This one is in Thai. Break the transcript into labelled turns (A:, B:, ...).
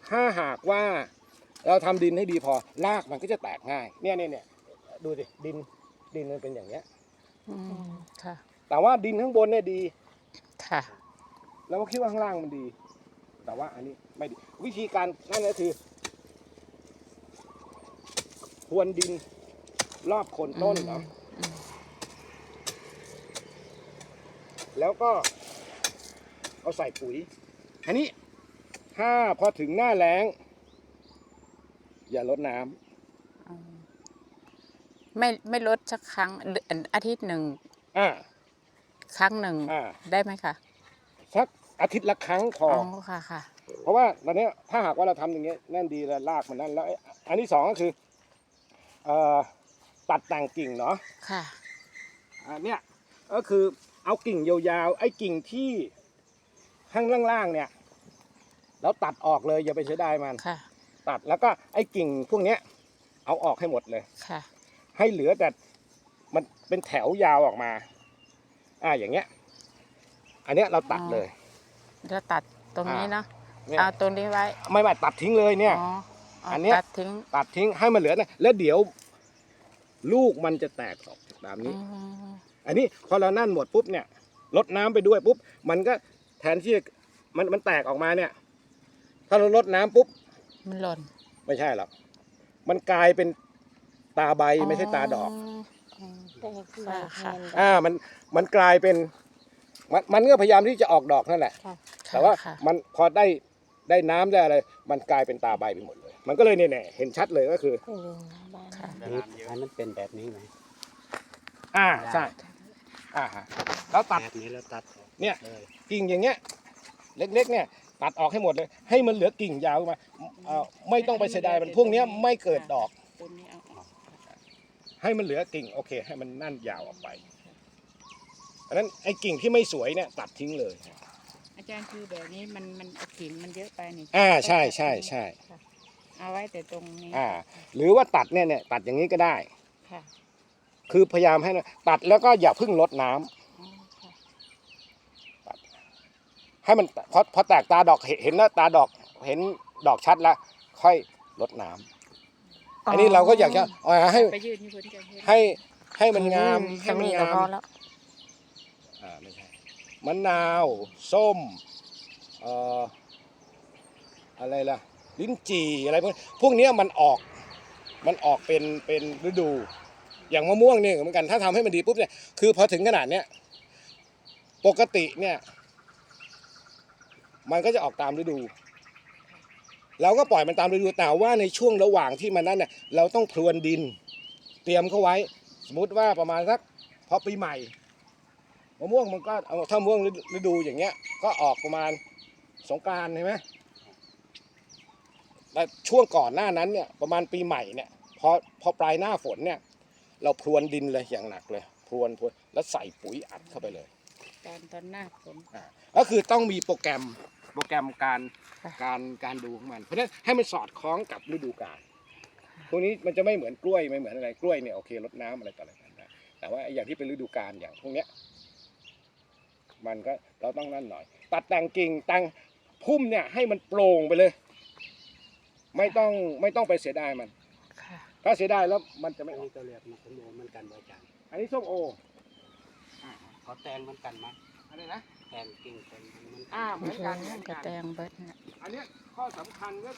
A: ถ้าหากว่าเราทำดินให้ดีพอรากมันก็จะแตกง่ายเนี่ยดูสิดินมันเป็นอย่างเนี้ย
B: ค่ะ
A: แต่ว่าดินข้างบนเนี่ยดี
B: ค่ะ
A: แล้วก็คิดว่าข้างล่างมันดี แต่ว่าอันนี้ไม่ดีวิธีการนั่นก็คือพรวนดินรอบโคนต้นเนาะแล้วก็เอาใส่ปุ๋ยอันนี้ถ้าพอถึงหน้าแล้งอย่าลดน้ำ
B: ไม่ลดสักครั้งอาทิตย์หนึ่ง
A: อ่า
B: ครั้งหนึ่ง
A: อ่า
B: ได้ไหมคะ
A: สักอาทิตย์ละครั้งพอ
B: ค่ะค่ะ
A: เพราะว่าตอนนี้ถ้าหากว่าเราทำอย่างเงี้ยนั่นดีแล้วรากมันนั่นแล้วอันที่สองก็คือตัดแต่งกิ่งเนาะ
B: ค่ะ
A: อันเนี้ยก็คือเอากิ่งยาวๆไอ้กิ่งที่ข้างล่างๆเนี่ยแล้วตัดออกเลยอย่าไปเสียดายมัน
B: ค่ะ
A: ตัดแล้วก็ไอ้กิ่งพวกเนี้ยเอาออกให้หมดเลย
B: ค่ะ
A: ให้เหลือแต่มันเป็นแถวยาวออกมาอย่างเงี้ยอันเนี้ยเราตัดเลย
B: จะตัดตรงนี้เนาะ
A: เนี่ย
B: เอาตรงนี้ไว้
A: ไม่ตัดทิ้งเลยเนี่ย อันเนี้ย
B: ตัดทิ้ง
A: ตัดทิ้งให้มันเหลือนะแล้วเดี๋ยวลูกมันจะแตกออกตามนี้ อันนี้พอเรานั่นหมดปุ๊บเนี่ยลดน้ำไปด้วยปุ๊บมันก็แทนที่มันแตกออกมาเนี่ยถ้าเราลดน้ำปุ๊บ
B: มันหล่น
A: ไม่ใช่หรอกมันกลายเป็นตาใบไม่ใช่ตาดอก
B: ค่ะ
A: มันกลายเป็นมันก็พยายามที่จะออกดอกนั่นแหละแต่ว่ามันพอได้น้ำได้อะไรมันกลายเป็นตาใบไปหมดเลย มันก็เลยเนี่ยเห็นชัดเลยก็คือ
C: อันนั้นเป็นแบบนี้ไหม
A: ใช่แล้วตัด
C: แบบนี้แล้วตัดออก
A: เนี่ย
C: เลย
A: กิ่งอย่างเงี้ยเล็กๆเนี่ยตัดออกให้หมดเลย ให้มันเหลือกิ่งยาวมาไม่ต้องไปเสียดายมันพวกเนี้ยไม่เกิดดอก ให้มันเหลือกิ่งโอเค ให้มันนั่นยาวออกไปอันนั้นไอ้กิ่งที่ไม่สวยเนี่ยตัดทิ้งเลย
D: อาจารย์คือแบบนี้มันกิ่งมันเยอะไปนี่
A: ใช่
D: เอาไว้แต่ตรงนี้
A: หรือว่าตัดเนี่ยตัดอย่างนี้ก็ได้
D: ค่ะ
A: คือพยายามให้ตัดแล้วก็อย่าเพิ่งลดน้ำ
D: อ๋อค่ะ
A: ให้มันพอแตกตาดอกเห็นแล้วตาดอกเห็นดอกชัดแล้วค่อยลดน้ำอันนี้เราก็อยากจะให้
D: ไปยืนที่พื้นกัน
A: ให้มันงามให้มันงาม
B: พอแล้ว
A: ไม่ใช่มะนาวส้มอะไรล่ะลิ้นจี่อะไรพวกนี้มันออกเป็นฤดูอย่างมะม่วงนี่เหมือนกันถ้าทำให้มันดีปุ๊บเนี่ยคือพอถึงขนาดเนี้ยปกติเนี่ยมันก็จะออกตามฤดูเราก็ปล่อยมันตามฤดูแต่ว่าในช่วงระหว่างที่มันนั้นเนี่ยเราต้องพรวนดินเตรียมเข้าไว้สมมติว่าประมาณสักพอปีใหม่มะม่วงมันก็ถ้ามะม่วงฤดูอย่างเงี้ยก็ออกประมาณสงกรานต์ใช่ไหมแต่ช่วงก่อนหน้านั้นเนี่ยประมาณปีใหม่เนี่ยพอปลายหน้าฝนเนี่ยเราพรวนดินเลยอย่างหนักเลยพรวนแล้วใส่ปุ๋ยอัดเข้าไปเลย
D: ตอนหน้าฝน
A: ก็คือต้องมีโปรแกรมการดูของมันเพราะฉะนั้นให้มันสอดคล้องกับฤดูกาลพวกนี้มันจะไม่เหมือนกล้วยไม่เหมือนอะไรกล้วยเนี่ยโอเครดน้ำอะไรต่ออะไรกันได้แต่ว่าอย่างที่เป็นฤดูกาลอย่างพวกเนี้ยมันก็เราต้องนั่นหน่อยตัดแต่งกิ่งแต่งพุ่มเนี่ยให้มันโปร่งไปเลย ไม่ต้องไปเสียดายมันถ้าเสียดายแล้วมันจะ
C: อั
A: ไม่
C: น
A: ออ
C: นี้
A: ก
C: ก็เรียกมะขามเหมือนกันอาจารย์
A: อันนี้ส้มโอ
C: เขาแตงเหมือนกันไหม
A: อะไรนะ
C: แตงกิ่งเป็นเหมือนกัน
A: เหมือนกัน
B: กระแตงเบิดเนี่ย
A: อันเนี้ยข้อสำคัญก็